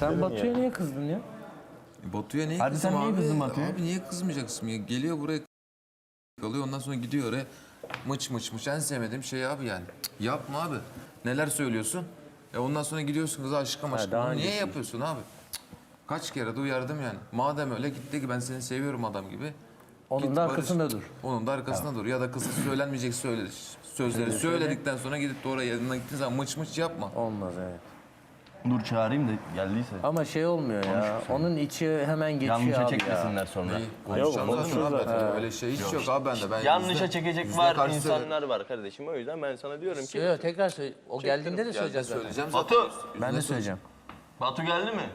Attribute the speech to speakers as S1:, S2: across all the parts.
S1: Sen Batu'ya niye kızdın ya?
S2: Batu'ya niye
S1: Hadi
S2: kızım
S1: sen niye
S2: abi?
S1: kızdın Batu'ya?
S2: Abi niye kızmayacaksın ya? Geliyor buraya kalıyor ondan sonra gidiyor oraya. Mıç mıç mıç en sevmediğim şey abi yani. Cık, yapma abi. Neler söylüyorsun? Ondan sonra gidiyorsun kıza aşkım aşkım.
S1: daha
S2: Bunu niye
S1: öncesi.
S2: yapıyorsun abi? Cık, kaç kere de uyardım yani. Madem öyle gitti ki ben seni seviyorum adam gibi.
S1: Onun
S2: Git
S1: da
S2: barış.
S1: arkasında dur.
S2: Onun da arkasında dur. Ya da kızı söylenmeyecek sözleri söyledikten sonra gidip de oraya yanına gittiğin zaman mıç mıç yapma.
S1: Olmaz evet.
S3: Dur çağırayım da geldiyse.
S1: Ama şey olmuyor ya. Onun içi hemen geçiyor
S3: Yanlışa
S1: abi ya.
S3: çekmesinler sonra.
S2: Konuşacağım zaten. Öyle şey hiç yok abi bende. Ben
S3: Yanlışa çekecek var
S2: karşı
S3: insanlar var kardeşim. O yüzden ben sana diyorum ki.
S1: Yok tekrar söyle. O geldiğinde de söyleyeceğiz zaten.
S2: söyleyeceğim zaten.
S3: Batu!
S1: Ben de söyleyeceğim.
S3: Batu geldi mi?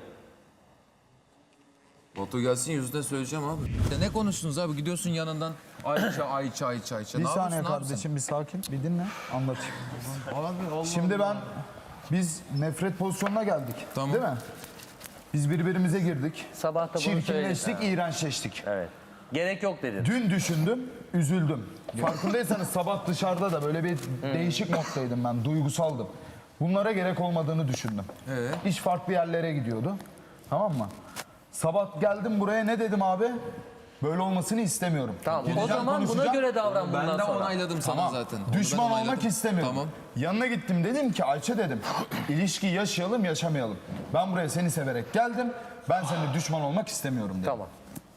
S2: Batu gelsin yüzüne söyleyeceğim abi. Ne konuştunuz abi? Gidiyorsun yanından Ayça.
S4: Bir
S2: Ne
S4: saniye
S2: yapıyorsun abi
S4: kardeşim bir sakin bir dinle anlatayım.
S2: Abi Allah
S4: Şimdi biz nefret pozisyonuna geldik.
S2: Tamam.
S4: Değil mi? Biz birbirimize girdik.
S1: Sabah da bunu
S4: Çirkinleştik,
S1: söyledik.
S4: iğrençleştik.
S1: Evet. Gerek yok dedin.
S4: Dün düşündüm, üzüldüm. Farkındaysanız sabah dışarıda da böyle bir değişik moddaydım ben, duygusaldım. Bunlara gerek olmadığını düşündüm. İş farklı yerlere gidiyordu. Tamam mı? Sabah geldim buraya ne dedim abi? Böyle olmasını istemiyorum.
S1: Tamam. O
S4: Gideceğim,
S1: zaman buna
S4: konuşacağım.
S1: göre davran
S2: Ben
S1: bundan
S2: de
S1: sonra.
S2: onayladım sana
S4: Tamam.
S2: zaten. Onu
S4: Düşman
S2: ben
S4: olmak
S2: onayladım.
S4: istemiyorum.
S2: Tamam.
S4: Yanına gittim dedim ki Ayça dedim. İlişki yaşayalım yaşamayalım. Ben buraya seni severek geldim. Ben seninle düşman olmak istemiyorum dedim.
S1: Tamam.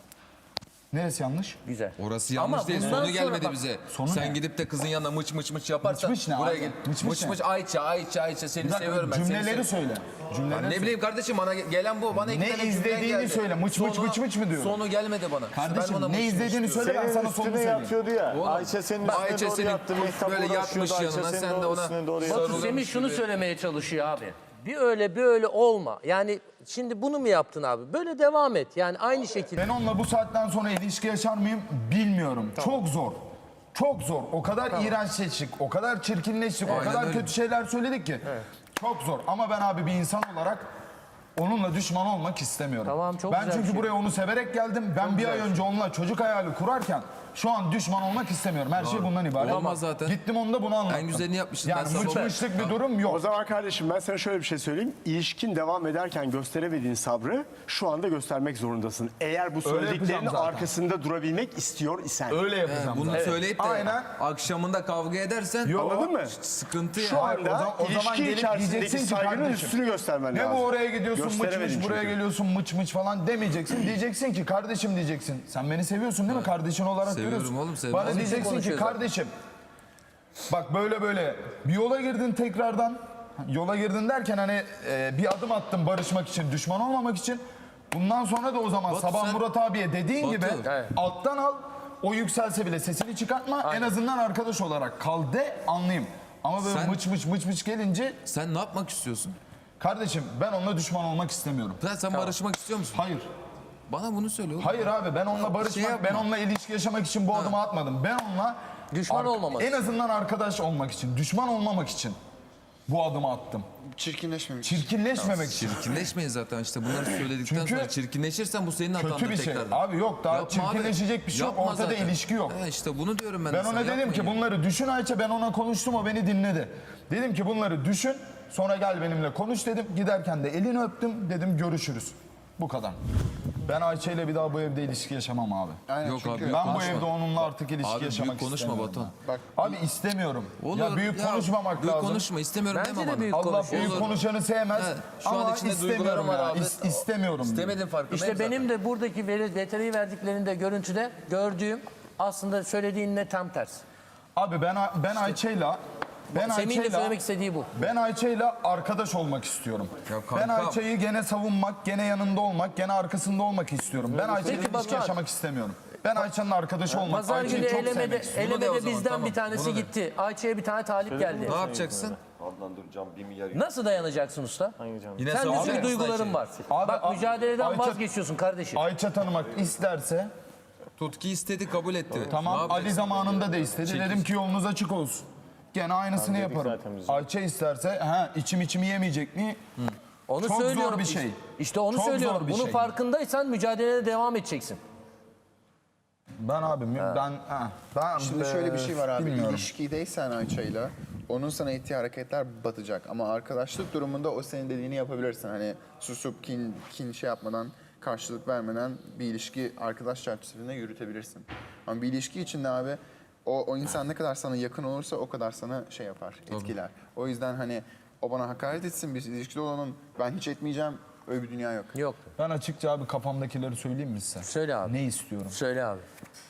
S4: Neresi yanlış?
S1: Güzel.
S2: Orası yanlış
S1: Ama
S2: değil.
S1: bundan
S2: Sonu
S1: sonra
S2: gelmedi
S1: bak,
S2: bize.
S4: sonu
S2: Sen
S4: ne?
S2: gidip de kızın yanına mıç mıç mıç yaparsan
S4: Mıç mıç ne
S2: buraya
S4: abi?
S2: git.
S4: Mıç
S2: Mıç
S4: mıç
S2: mıç
S4: ne?
S2: Ayça seni
S4: Bir dakika,
S2: seviyorum ben. seni
S4: cümleleri
S2: seviyorum.
S4: söyle. Cümleleri
S2: Ne
S4: söyle.
S2: bileyim kardeşim bana gelen bu. Bana iki
S4: Ne
S2: tane cümle
S4: izlediğini
S2: geldi.
S4: söyle. Mıç mıç mıç mıç mı diyorum?
S2: Sonu gelmedi bana.
S4: Kardeşim
S2: Ben ona
S4: ne
S2: mıç mıç
S4: izlediğini
S2: diyorum.
S4: söyle ben
S5: Senin
S4: sana sonunu
S5: üstüne
S4: söyleyeyim.
S5: yatıyordu ya.
S2: Oğlum,
S5: Ayça senin üstüne
S2: Ayça
S5: doğru
S2: senin
S5: yattı. Mehtap
S2: böyle
S5: uğraşıyordu.
S2: yatmış
S5: Ayça
S2: yanına,
S5: senin
S2: sen de ona
S5: üstüne doğru
S2: sarılıyorsun.
S5: yattı.
S1: Batu Semih şunu söylemeye çalışıyor abi. Bir öyle olma. Yani şimdi bunu mu yaptın abi? Böyle devam et. Yani aynı şekilde.
S4: Ben onunla bu saatten sonra ilişki yaşar mıyım bilmiyorum. Çok zor. Çok zor. O kadar iğrençleştik, o kadar çirkinleştik, o
S2: Aynen
S4: kadar
S2: öyle.
S4: kötü şeyler söyledik ki. Çok zor. Ama ben abi bir insan olarak onunla düşman olmak istemiyorum.
S1: Tamam, çok
S4: ben
S1: güzel
S4: çünkü
S1: bir şey.
S4: buraya onu severek geldim. Ben bir ay önce onunla çocuk hayali kurarken şu an düşman olmak istemiyorum. Her şey bundan ibaret.
S2: Olamaz zaten.
S4: Gittim onda bunu anlattım.
S2: En güzelini yapmışsın. Ben
S4: Yani
S2: sana
S4: mıçmışlık bir durum yok.
S5: O zaman kardeşim ben sana şöyle bir şey söyleyeyim. İlişkin devam ederken gösteremediğin sabrı şu anda göstermek zorundasın. Eğer bu
S4: yapacağım
S5: söylediklerinin
S4: zaten.
S5: arkasında durabilmek istiyor isen.
S4: Öyle yapacağım.
S2: Bunu
S4: zaten.
S2: söyleyip de
S4: Aynen.
S2: akşamında kavga edersen
S4: Yok.
S5: Anladın mı?
S2: sıkıntı
S5: Şu
S2: ya.
S5: anda
S4: o zaman
S5: ilişki
S4: gelip
S5: içerisindeki
S4: diyeceksin ki
S5: saygının
S4: kardeşim,
S5: üstünü göstermen
S4: Ne
S5: lazım.
S4: bu oraya gidiyorsun mıç
S5: Gösteremedin
S4: mıç buraya
S5: çünkü.
S4: geliyorsun mıç mıç falan demeyeceksin. Diyeceksin ki kardeşim diyeceksin. Sen beni seviyorsun değil mi? Kardeşin olarak
S2: Seviyorum
S4: görüyorsun.
S2: oğlum, sevmez
S4: Bana
S2: miyim?
S4: diyeceksin ki
S1: Konuşuyor zaten.
S4: kardeşim bak böyle bir yola girdin tekrardan. Yola girdin derken hani bir adım attın barışmak için, düşman olmamak için. Bundan sonra da o zaman
S2: Batu,
S4: sabah
S2: sen-
S4: Murat abiye dediğin
S2: Batu,
S4: gibi
S1: evet.
S4: alttan al. O yükselse bile sesini çıkartma. En azından arkadaş olarak kal de anlayayım. Ama böyle
S2: Sen-
S4: mıç mıç gelince
S2: Sen ne yapmak istiyorsun?
S4: kardeşim ben onunla düşman olmak istemiyorum.
S2: Sen barışmak istiyor musun?
S4: Hayır.
S2: Bana bunu söyle oğlum.
S4: Hayır abi ben onunla barışmak,
S2: yapma.
S4: ben onunla ilişki yaşamak için bu adımı atmadım. Ben onunla
S1: Düşman olmamak.
S4: en azından arkadaş olmak için, düşman olmamak için bu adımı attım.
S6: Çirkinleşmemek.
S4: Çirkinleşmemek için.
S2: Çirkinleşmeyin zaten işte bunları söyledikten
S4: Çünkü
S2: sonra çirkinleşirsen bu senin hatandır
S4: Kötü bir şey.
S2: tekrardan.
S4: Abi yok daha
S2: Yapma abi.
S4: çirkinleşecek bir şey yok.
S2: Yapma
S4: Ortada
S2: zaten.
S4: ilişki yok.
S2: İşte bunu diyorum ben.
S4: Ben
S2: de
S4: ona
S2: sana,
S4: dedim
S2: yapmayın
S4: ki
S2: ya.
S4: bunları düşün Ayça, ben ona konuştum, o beni dinledi. Dedim ki bunları düşün, sonra gel benimle konuş dedim. Giderken de elini öptüm, dedim görüşürüz. Bu kadar. Ben Ayça ile bir daha bu evde ilişki yaşamam abi.
S6: Aynen,
S2: Yok
S6: çünkü
S2: abi,
S4: Ben bu
S2: konuşma.
S4: evde onunla artık ilişki
S2: Abi
S4: yaşamak
S2: büyük konuşma
S4: istemiyorum.
S2: Batuhan.
S6: Bak,
S4: Abi istemiyorum.
S2: Olur,
S4: ya büyük konuşmamak
S2: büyük
S4: lazım.
S2: konuşma istemiyorum
S1: Bence
S2: deme
S1: de
S2: bana.
S1: büyük
S4: Allah
S1: konuşuyor.
S4: büyük
S2: Olur.
S4: konuşanı sevmez.
S2: Evet, şu an
S4: Ama
S2: içinde
S4: istemiyorum
S2: duygularım var
S4: ya.
S2: abi.
S4: İstemiyorum.
S2: İstemedin farkındayım
S1: İşte benim
S2: zaten.
S1: de buradaki detayı verdiklerinde görüntüde gördüğüm aslında söylediğinle tam ters.
S4: Abi ben Ayça'yla
S1: Semih'in de söylemek istediği bu.
S4: Ben Ayça'yla arkadaş olmak istiyorum.
S2: Ya
S4: Ben
S2: kankam.
S4: Ayça'yı gene savunmak, gene yanında olmak, gene arkasında olmak istiyorum. Ben Ayça'yla
S1: Peki
S4: ilişki
S1: Batuhan.
S4: yaşamak istemiyorum. Ben Ayça'nın arkadaşı olmak,
S1: Pazar
S4: Ayça'yı
S1: günü
S4: çok
S1: elemede,
S4: sevmek istiyorum.
S2: Bunu de o
S1: elemede
S2: zaman,
S1: bizden
S2: tamam.
S1: bir tanesi
S2: Bunu de.
S1: gitti. Ayça'ya bir tane talip geldi.
S2: Ne yapacaksın?
S3: Adnan dur cam 1 milyar.
S1: Nasıl dayanacaksın usta?
S2: Yine
S1: Sen de
S2: savunacaksın
S1: çünkü duyguların
S2: Ayça'yı.
S1: var.
S4: Abi,
S1: Bak mücadeleden
S4: Ayça-
S1: vazgeçiyorsun kardeşim.
S4: Ayça tanımak isterse
S2: Tutki istedi kabul etti. Ne
S4: tamam, Ali
S2: yapacaksın?
S4: zamanında da istedi. Dedim ki yolunuz açık olsun. Gene aynısını yaparım. Ayça isterse içim yemeyecek mi?
S1: Onu
S4: çok zor
S1: söylüyorum.
S4: bir şey.
S1: İşte onu
S4: Çok zor
S1: söylüyorum.
S4: bir
S1: Bunun
S4: şey.
S1: farkındaysan mücadelene devam edeceksin.
S4: Ben abi ben
S6: Şimdi şöyle bir şey var abi.
S4: bilmiyorum.
S6: İlişkideysen Ayça'yla onun sana ettiği hareketler batacak. Ama arkadaşlık durumunda o senin dediğini yapabilirsin. Hani susup kin şey yapmadan, karşılık vermeden bir ilişki arkadaş çerçevesinde yürütebilirsin. Ama bir ilişki içinde abi o insan ne kadar sana yakın olursa o kadar sana şey yapar, etkiler. O yüzden hani o bana hakaret etsin, biz ilişkide olalım, ben hiç etmeyeceğim, öyle bir dünya yok.
S1: Yok.
S4: Ben açıkça abi kafamdakileri söyleyeyim mi size?
S1: Söyle abi.
S4: Ne istiyorum?
S1: Söyle abi.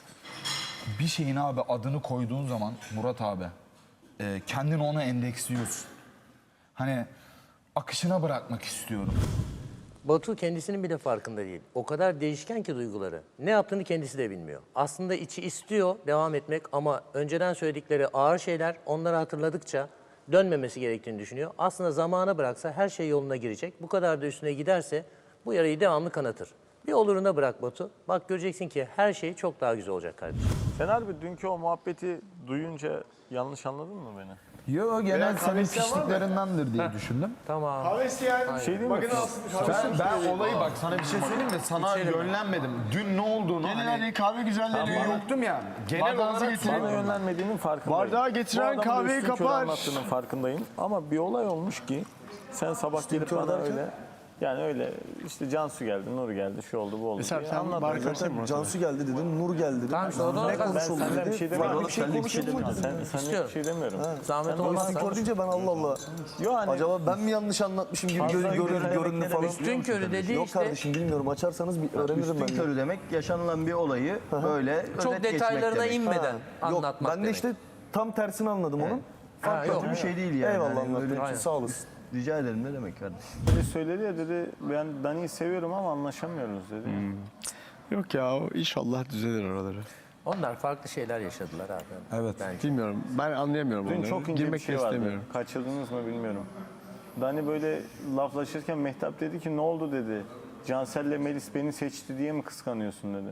S4: Bir şeyin abi adını koyduğun zaman Murat abi kendini ona endeksliyorsun. Hani akışına bırakmak istiyorum.
S1: Batu kendisinin bile farkında değil. O kadar değişken ki duyguları. Ne yaptığını kendisi de bilmiyor. Aslında içi istiyor devam etmek ama önceden söyledikleri ağır şeyler onları hatırladıkça dönmemesi gerektiğini düşünüyor. Aslında zamana bıraksa her şey yoluna girecek. Bu kadar da üstüne giderse bu yarayı devamlı kanatır. Bir oluruna bırak Batu. Bak göreceksin ki her şey çok daha güzel olacak kardeşim.
S7: Sen harbi dünkü o muhabbeti duyunca yanlış anladın mı beni?
S4: Yo genel senin
S5: kahvesi var mı?
S4: pişliklerindendir diye düşündüm.
S1: Tamam.
S5: Kahvesi yani.
S7: Şey değil mi?
S4: Ben olayı bak sana bir şey söyleyeyim mi? Sana yönlenmedim. Dün ne olduğunu
S5: Gelin
S4: hani
S5: hadi kahve güzelleri.
S4: yoktum ya. Genel
S5: Bardağınızı
S4: olarak
S5: getirin.
S7: Bana yönlenmediğinin farkındayım.
S5: Bardağı getiren
S7: Bu adamın da
S5: kahveyi
S7: üstün körü
S5: kapar.
S7: anlattığının farkındayım. Ama bir olay olmuş ki sen sabah gelip bana öyle yani öyle işte Cansu geldi, Nur geldi, şu oldu, bu oldu
S5: Mesela
S7: diye
S5: sen
S7: anlattın.
S5: bari karşıya mı?
S8: Cansu geldi dedin, Nur geldi dedin.
S1: Tamam işte o da
S8: Ne
S1: olmaz.
S7: Ben
S8: konuşuldu
S7: senden bir
S8: dedi.
S7: şey demiyorum.
S8: Bir şey konuşuldu mu
S7: Sen
S8: dedin?
S7: senden
S1: İstiyorum.
S7: bir şey demiyorum.
S1: Zahmet
S7: Sen
S1: olmazsa.
S8: Skor deyince ben Allah Allah.
S7: Yo hani
S8: Acaba ben mi yanlış anlatmışım gibi
S7: Fazla
S8: göründü
S7: görünerek
S8: falan.
S1: Üstün körü dediği
S8: Yok
S1: işte
S8: kardeşim bilmiyorum açarsanız bir öğrenirim ben
S9: Üstün
S8: de.
S9: körü demek yaşanılan bir olayı böyle
S1: çok
S9: özet geçmek
S1: detaylarına
S9: demek.
S1: inmeden
S8: Yok
S1: anlatmak
S8: ben de
S1: demek.
S8: işte tam tersini anladım onun.
S1: Ha, yok.
S9: Kötü bir şey değil yani.
S8: Eyvallah
S9: Hani
S8: anlattığın
S9: böyle-
S8: için sağ olasın.
S9: Rica ederim ne demek kardeşim.
S7: böyle söyledi ya dedi ben Dani'yi seviyorum ama anlaşamıyoruz dedi.
S5: Yok ya inşallah düzelir oraları.
S1: Onlar farklı şeyler yaşadılar abi.
S4: Evet.
S1: Bence.
S5: Bilmiyorum. Ben anlayamıyorum
S7: Dün
S5: onları.
S7: çok ince
S5: Girmek
S7: bir şey
S5: de
S7: vardı.
S5: istemiyorum.
S7: Kaçırdınız mı bilmiyorum. Dani böyle laflaşırken Mehtap dedi ki ne oldu dedi. Cansel'le Melis beni seçti diye mi kıskanıyorsun dedi.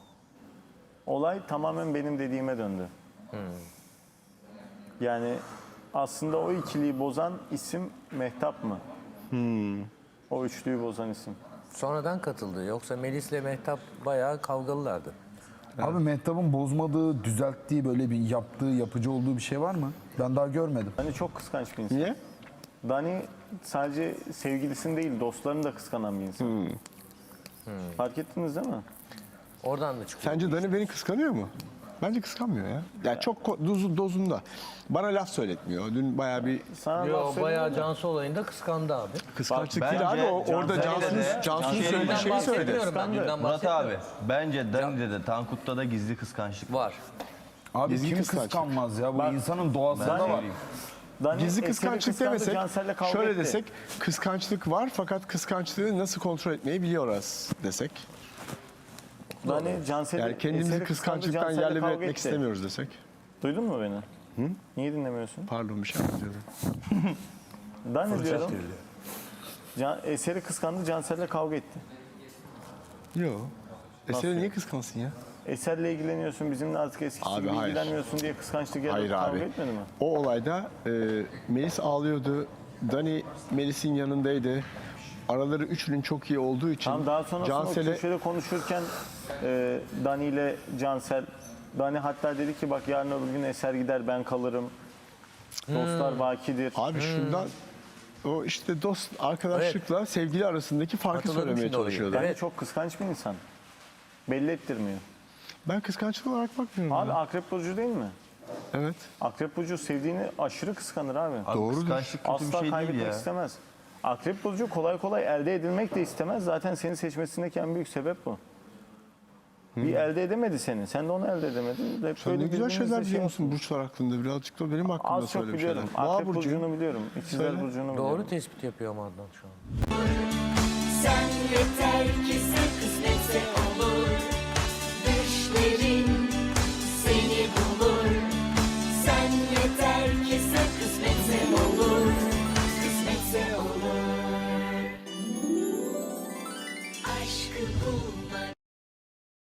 S7: Olay tamamen benim dediğime döndü. Yani aslında o ikiliyi bozan isim Mehtap mı? O üçlüyü bozan isim.
S1: Sonradan katıldı. Yoksa Melis'le Mehtap bayağı kavgalılardı.
S4: Abi Mehtap'ın bozmadığı, düzelttiği böyle bir yaptığı, yapıcı olduğu bir şey var mı? Ben daha görmedim.
S7: Dani çok kıskanç bir insan.
S5: Niye?
S7: Dani sadece sevgilisini değil dostlarını da kıskanan bir insan. Fark ettiniz değil mi?
S1: Oradan da çıkıyor.
S5: Sence Dani beni kıskanıyor mu? Bence kıskanmıyor ya. Yani çok dozunda. Bana laf söyletmiyor. Dün bayağı bir
S7: Sana laf
S1: Yo,
S7: söyleyeyim
S1: bayağı
S7: mi?
S1: Cansu olayında kıskandı abi.
S5: kıskançlık
S9: Bak,
S5: değil abi.
S9: bence
S5: Orada
S9: Cansel'e
S5: Cansu'nun
S9: de-
S5: söylediği şeyi söyledi.
S1: bahsetmiyorum ben. Dünden
S9: Murat abi
S1: bahsetmiyorum.
S9: bence Dani'de de Tankut'ta da gizli kıskançlık var.
S1: Var.
S4: Abi
S5: Gizli
S4: kim
S5: kıskançlık.
S4: kıskanmaz ya? Bu insanın doğasında
S7: Ben-
S4: var.
S7: Dani
S5: Gizli
S7: Eser'i
S5: kıskançlık
S7: kıskandı,
S5: demesek,
S7: Cansel'le kavga
S5: şöyle
S7: etti.
S5: desek, kıskançlık var fakat kıskançlığı nasıl kontrol etmeyi biliyoruz desek.
S7: Dani Cansel'i
S5: Yani kendimizi
S7: Eser'i
S5: kıskançlıktan
S7: kıskandı,
S5: yerle bir
S7: Cansel'le
S5: etmek
S7: kavga etti.
S5: istemiyoruz desek.
S7: Duydun mu beni? Niye dinlemiyorsun?
S5: Pardon bir şey anlatıyorum.
S7: Dani diyorum. Eser'i kıskandı, Cansel'le kavga etti.
S5: Yok. Eser'i niye kıskansın ya?
S7: Eser'le ilgileniyorsun, bizimle artık eskisi
S5: Abi,
S7: gibi
S5: hayır.
S7: ilgilenmiyorsun diye kıskançlık
S5: Hayır
S7: yaratıp kavga
S5: abi.
S7: etmedi mi?
S5: O olayda Melis ağlıyordu. Dani Melis'in yanındaydı. Araları üçünün çok iyi olduğu için
S7: Tam daha sonrasında o
S5: Cansel'e
S7: köşede konuşurken Dani ile Cansel, Dani hatta dedi ki bak yarın öbür gün Eser gider ben kalırım. Dostlar bakidir.
S5: abi şundan o işte dost arkadaşlıkla sevgili arasındaki farkı
S1: Hatırladım
S5: söylemeye
S1: şimdi orayı.
S5: çalışıyordu.
S7: Dani
S1: Evet.
S7: çok kıskanç bir insan. Belli ettirmiyor.
S5: Ben kıskançlık olarak bakmıyorum.
S7: Abi
S5: ya.
S7: Akrep Burcu değil mi?
S5: Evet.
S7: Akrep Burcu sevdiğini aşırı kıskanır abi.
S9: Abi
S5: Doğrudur.
S9: kıskançlık kötü
S7: Asla
S9: bir şey değil
S7: kaybetmek
S9: ya.
S7: istemez. Akrep Burcu kolay kolay elde edilmek de istemez. Zaten seni seçmesindeki en büyük sebep bu. Bir elde edemedi seni. Sen de onu elde edemedin. Hep
S5: Sen
S7: böyle
S5: ne güzel
S7: birbirinizle
S5: şeyler
S7: şey
S5: biliyor musun burçlar hakkında? Birazcık da benim hakkımda
S7: Az çok
S5: söyle bir şeyler.
S7: biliyorum.
S5: Boğa
S7: Akrep
S5: burcuyum.
S7: Burcu'nu biliyorum. İkizler
S5: Söyle.
S7: Burcu'nu biliyorum.
S1: Doğru tespit yapıyor ama Adnan şu an.
S10: Sen yeter ki sen